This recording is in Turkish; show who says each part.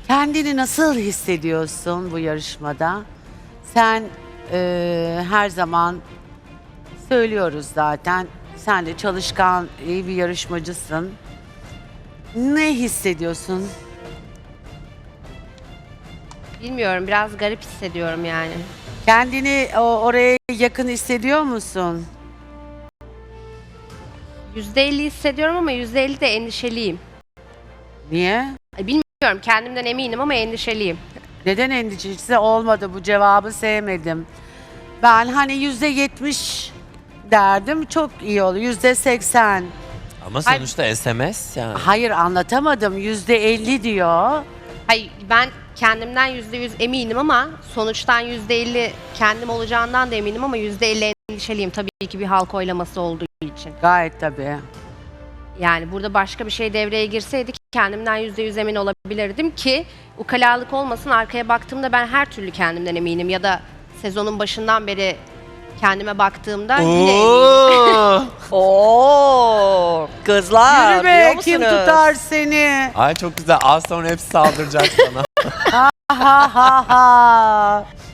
Speaker 1: Kendini nasıl hissediyorsun bu yarışmada? Sen her zaman söylüyoruz zaten. Sen de çalışkan, iyi bir yarışmacısın. Ne hissediyorsun?
Speaker 2: Bilmiyorum, biraz garip hissediyorum yani.
Speaker 1: Kendini oraya yakın hissediyor musun?
Speaker 2: %50 hissediyorum ama %50 de endişeliyim.
Speaker 1: Niye?
Speaker 2: Bilmiyorum, kendimden eminim ama endişeliyim.
Speaker 1: Neden endişesi olmadı, bu cevabı sevmedim. Ben hani %70 derdim, çok iyi olur. %80.
Speaker 3: Ama sonuçta SMS yani.
Speaker 1: Hayır, anlatamadım. %50 diyor.
Speaker 2: Hayır, ben kendimden %100 eminim ama sonuçtan %50 kendim olacağından da eminim ama %50 endişeliyim. Tabii ki bir halk oylaması olduğu için.
Speaker 1: Gayet tabii.
Speaker 2: Yani burada başka bir şey devreye girseydi kendimden %100 emin olabilirdim ki ukalalık olmasın, arkaya baktığımda ben her türlü kendimden eminim ya da sezonun başından beri kendime baktığımda yine eminim.
Speaker 4: Oo, kızlar
Speaker 1: Yürü
Speaker 4: duyuyor
Speaker 1: be, kim
Speaker 4: musunuz?
Speaker 1: tutar seni?
Speaker 3: Ay çok güzel. Az sonra hepsi saldıracak sana.
Speaker 1: Ha ha ha.